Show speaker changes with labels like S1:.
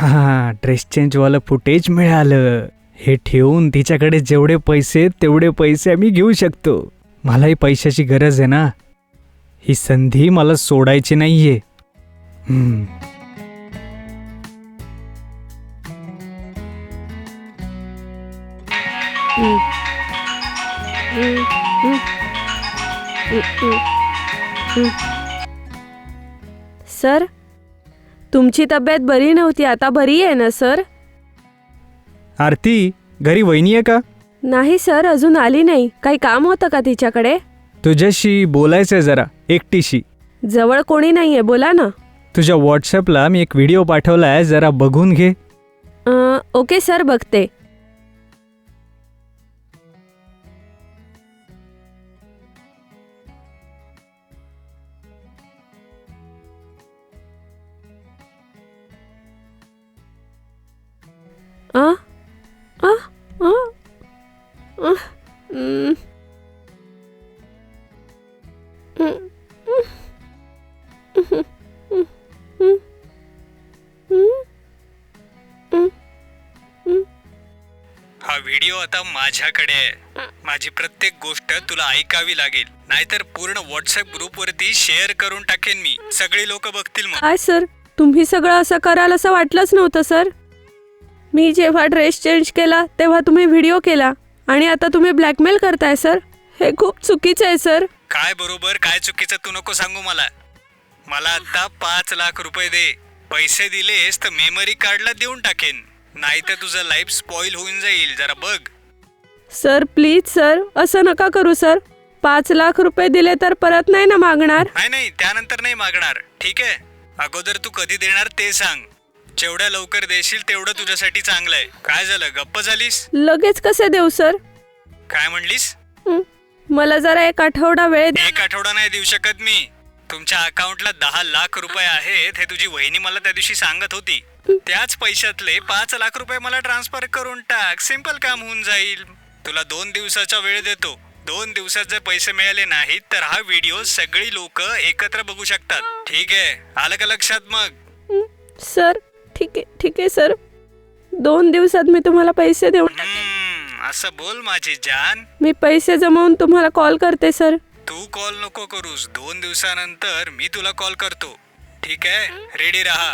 S1: हां, dress चेंजवालं footage मिळालं. हे ठेवून तिच्याकडे जेवढे पैसे तेवढे पैसे आम्ही घेऊ शकतो. मलाही पैशाची गरज आहे ना. ही संधी मला सोडायची नाहीये.
S2: सर, तुमची तब्येत बरी नव्हती, आता बरी आहे ना सर?
S1: आरती, घरी वहिनी आहे का?
S2: नाही सर, अजून आली नाही. काही काम होतं का तिच्याकडे?
S1: तुझ्याशी बोलायचंय जरा, एकटीशी.
S2: जवळ कोणी नाहीये, बोला ना.
S1: तुझ्या व्हॉट्सअपला मी एक व्हिडिओ पाठवलाय, जरा बघून घे.
S2: ओके सर, बघते. आ आ आ आ
S1: हा व्हिडिओ आता माझ्याकडे आहे. माझी प्रत्येक गोष्ट तुला ऐकावी लागेल, नाहीतर पूर्ण व्हॉट्सअप ग्रुपवरती शेअर करून टाकेन मी. सगळी लोक बघतील मग.
S2: काय सर, तुम्ही सगळं असं कराल असं वाटलंच नव्हतं सर. मी जेव्हा ड्रेस चेंज केला तेव्हा तुम्ही व्हिडिओ केला आणि आता तुम्ही ब्लॅकमेल करताय सर. हे खूप चुकीचं आहे सर.
S1: काय बरोबर काय चुकीचं तू नको सांगू मला. मला आता 5 लाख रुपये दे. पैसे दिलेस तर मेमरी कार्डला देऊन टाकेन, नाही तर तुझं लाईफ स्पॉइल होऊन जाईल. जरा बघ.
S2: सर प्लीज सर, असं नका करू सर. 5 लाख रुपये दिले तर परत नाही ना मागणार?
S1: नाही, त्यानंतर नाही मागणार. ठीक आहे, अगोदर तू कधी देणार ते सांग. जेवढ्या लवकर देशील तेवढं तुझ्यासाठी चांगलं आहे. काय झालं, गप्प झालीस?
S2: लगेच कसे देऊ सर?
S1: काय म्हणलीस?
S2: मला जरा 1 आठवडा वेळ द्या.
S1: 1 आठवडा नाही देऊ शकत मी. तुमच्या अकाउंटला 10 लाख रुपये आहेत हे तुझी वहिनी मला त्या दिवशी सांगत होती. त्याच पैशातले 5 लाख रुपये मला ट्रान्सफर करून टाक. सिंपल काम होऊन जाईल. तुला 2 दिवसाचा वेळ देतो. 2 दिवसात जर पैसे मिळाले नाहीत तर हा व्हिडिओ सगळी लोक एकत्र बघू शकतात. ठीक आहे, आलं का लक्षात मग?
S2: सर ठीक आहे सर. 2 दिवसात मी तुम्हाला पैसे देऊन टाकेन.
S1: असं बोल माझी जान.
S2: मी पैसे जमवून तुम्हाला कॉल करते सर.
S1: तू कॉल नको करूस. 2 दिवसानंतर मी तुला कॉल करतो. ठीक आहे, रेडी राहा.